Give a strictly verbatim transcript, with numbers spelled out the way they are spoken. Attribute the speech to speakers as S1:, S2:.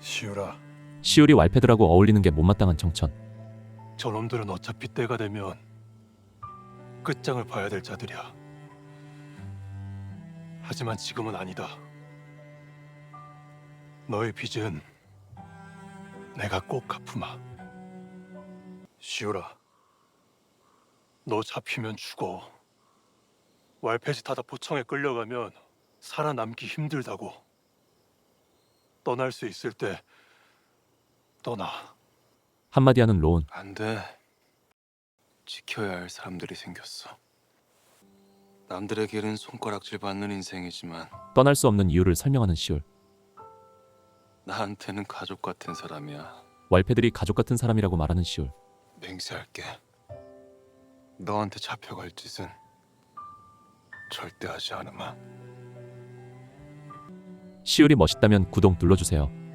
S1: 시우라,
S2: 시울이 왈패들하고 어울리는 게 못마땅한 정천.
S1: 저놈들은 어차피 때가 되면 끝장을 봐야 될 자들이야. 하지만 지금은 아니다. 너의 빚은 내가 꼭 갚으마. 시우라, 너 잡히면 죽어. 왈패짓 하다 포청에 끌려가면 살아남기 힘들다고. 떠날 수 있을 때 떠나.
S2: 한마디 하는 로운.
S1: 안 돼. 지켜야 할 사람들이 생겼어. 남들의 길은 손가락질 받는 인생이지만
S2: 떠날 수 없는 이유를 설명하는 시울.
S1: 나한테는 가족 같은 사람이야.
S2: 왈패들이 가족 같은 사람이라고 말하는 시울.
S1: 맹세할게. 너한테 잡혀갈 짓은 절대 하지 않으마.
S2: 시울이 멋있다면 구독 눌러주세요.